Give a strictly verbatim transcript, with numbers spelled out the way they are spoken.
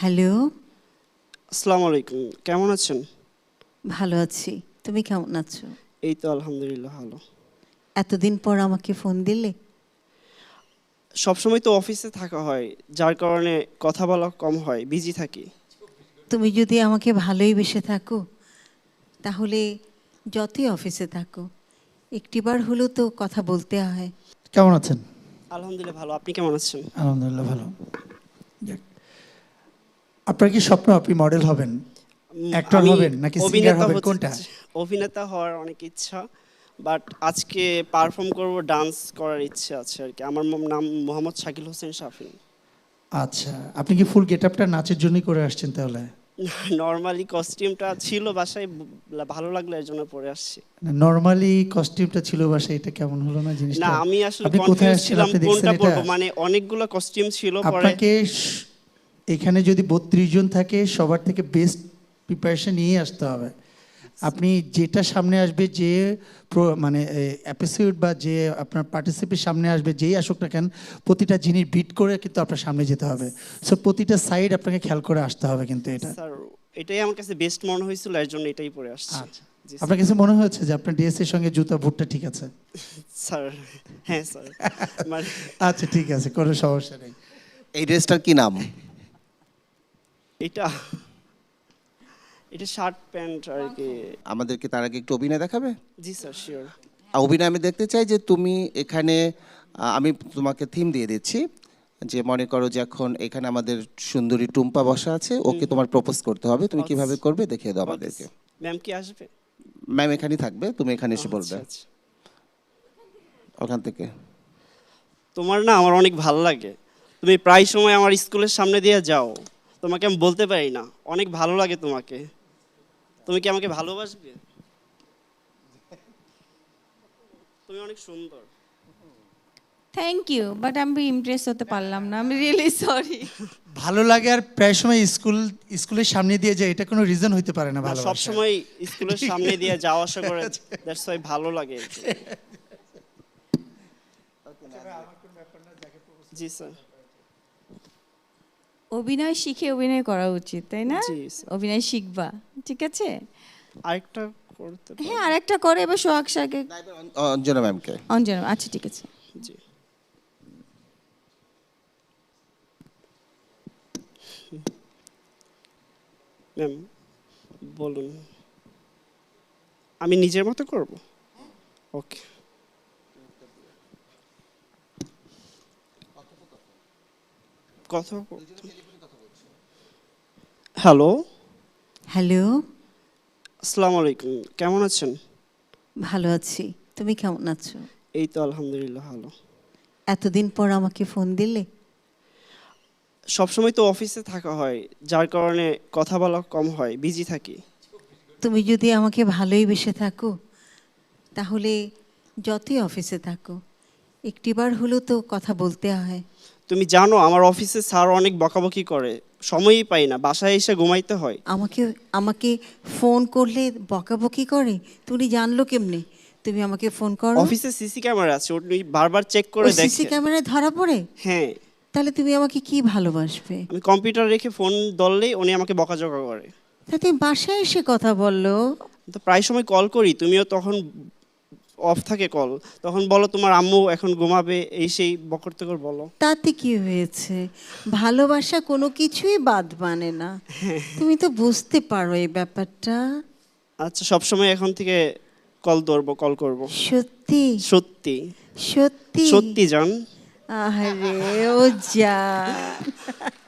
Hello. আসসালামু আলাইকুম, কেমন আছেন? ভালো আছি, তুমি কেমন আছো? এই তো আলহামদুলিল্লাহ ভালো। এতদিন পর আমাকে ফোন দিলে? সবসময় তো অফিসে থাকা হয়, যার কারণে কথা বলা কম হয়, বিজি থাকি। তুমি যদি আমাকে ভালোই বেসে থাকো তাহলে যতই অফিসে থাকো একটিবার হলেও তো কথা বলতে হয়। কেমন আছেন? আলহামদুলিল্লাহ ভালো, আপনি কেমন আছেন? আলহামদুলিল্লাহ ভালো। যাক। আপনার কি স্বপ্ন আপনি মডেল হবেন, উম, অ্যাক্টর আমি হবেন নাকি সিঙ্গার অভিনেতা হবেন, হতে কোনটা? অভিনেতা হওয়ার অনেক ইচ্ছা, বাট আজকে পারফর্ম করব, ডান্স করার ইচ্ছে আছে আর কি। আমার ম- নাম মোহাম্মদ শাকিল হোসেন শাফিন। আচ্ছা, আপনি কি ফুল গেটআপটা নাচের জন্যই করে আসছেন তাহলে? নর্মালি কস্টিউমটা ছিল বাসায়, ব- ভালো লাগলো এর জন্য পরে আসছি। নরমালি কস্টিউমটা ছিল বাসায়, এটা কেমন হলো না না, জিনিসটা? আমি আসলে আপনি কোথায় কনফিউজ আসছেন, ছিলাম আপনি দেখছেন কোনটা এটা? পরবো, মানে অনেকগুলো কস্টিউম ছিল পরে। আপনাকে শ- এখানে যদি বত্রিশ জন থাকে সবার থেকে বেস্ট প্রিপারেশন নিয়ে আসতে হবে। আপনি যেটা সামনে আসবে, যে প্র- মানে এপিসোড বা যে আপনার পার্টিসিপেট সামনে আসবে, যেই আসুক না কেন, প্রতিটা জিনিস বিট করে কিন্তু আপনার সামনে যেতে হবে। সো প্রতিটা সাইড আপনাকে খেয়াল করে আসতে হবে কিন্তু এটা। স্যার, এটাই আমার কাছে বেস্ট মনে হয়েছিল, এর জন্য এটাই পরে আসছি। আচ্ছা, জি আপনার কাছে মনে হয়েছে যে আপনার ড্রেসের সঙ্গে জুতা বুটটা ঠিক আছে? স্যার। হ্যাঁ স্যার, মানে আচ্ছা ঠিক আছে, কোনো সমস্যা নেই। এই ড্রেসটার কি নাম? এটা এটা শার্ট প্যান্ট আর কি। আমাদেরকে তার আগে একটু অভিনয় দেখাবে? জি স্যার, শিওর। আর অভিনয় আমি দেখতে চাই যে তুমি এখানে, আহ, আমি তোমাকে থিম দিয়ে দিচ্ছি, যে মনে করো যে এখন এখানে আমাদের সুন্দরী টুম্পা বসা আছে, ওকে তোমার প্রপোজ করতে হবে, তুমি কিভাবে করবে দেখিয়ে দাও আমাদেরকে। ম্যাম কি আসবে? ম্যাম এখানেই থাকবে, তুমি এখানে এসে বলবে আচ্ছা, আচ্ছা। ওখান থেকে। তোমার না আমার অনেক ভালো লাগে, তুমি প্রায় সময় আমার স্কুলের সামনে দিয়ে যাও, তোমাকে আমি বলতে পারি না, অনেক ভালো লাগে তোমাকে। তুমি কি আমাকে ভালোবাসবে? তুমি অনেক সুন্দর। থ্যাংক ইউ, বাট আমি ইমপ্রেস হতে পারলাম না, আমি রিয়েলি সরি। ভালো লাগে আর প্রায় সময় স্কুল স্কুলের সামনে দিয়ে যায়, এটা কোনো রিজন হইতে পারে না সব ভালোবাসা। সময় স্কুলের সামনে দিয়ে যাওয়া আসা করে, দ্যাটস ওয়াই ভালো লাগে। জি স্যার। অভিনয় শিখে অভিনয় করা উচিত, তাই না? জি, স্যার। অভিনয় শিখবা, ঠিক আছে? আরেকটা করতে পারি? হ্যাঁ, আর একটা করে এবার সোহাগ সাকে অঞ্জনা ম্যামকে। অঞ্জনা, আচ্ছা ঠিক আছে। জি। ম্যাম বলুন, আমি নিজের মতো করব? ওকে। কথা হ্যালো। হ্যালো। আসসালামু আলাইকুম, কেমন আছেন? ভালো আছি, তুমি কেমন আছো? এই তো আলহামদুলিল্লাহ ভালো। এতদিন পর আমাকে ফোন দিলে? সবসময় তো অফিসে থাকা হয়, যার কারণে কথা বলা কম হয়, বিজি থাকি। তুমি যদি আমাকে ভালোই বেসে থাকো তাহলে যতই অফিসে থাকো একটিবার হলেও তো কথা বলতে হয়। তুমি জানো আমার অফিসে স্যার অনেক বকাবকি করে, সময়ই পাই না, বাসায় এসে ঘুমাইতে হয়। আমাকে আমাকে ফোন করলে বকাবকি করে? তুমি জানলো কেমনে তুমি আমাকে ফোন করো? অফিসে সিসি ক্যামেরা আছে, উনি বারবার চেক করে ওই সিসি দেখে। ক্যামেরায় ধরা পড়ে? হ্যাঁ। তাহলে তুমি আমাকে কি ভালোবাসবে? আমি কম্পিউটার রেখে ফোন ধরলেই উনি আমাকে বকাঝকা করে। তা তুমি বাসায় এসে কথা বললো। তো প্রায় সময় কল করি, তুমিও তখন অফ থাকে কল, তখন বলো তোমার আম্মু এখন ঘুমাবে, এই সেই বকরতে করে বলো। তাতে কি হয়েছে? ভালোবাসা কোনো কিছুই বাদ মানে না, তুমি তো বুঝতে পারো এই ব্যাপারটা। আচ্ছা, সব সময় এখন থেকে কল ধরবো, কল করব। সত্যি? সত্যি সত্যি? সত্যি জান। আরে ও যা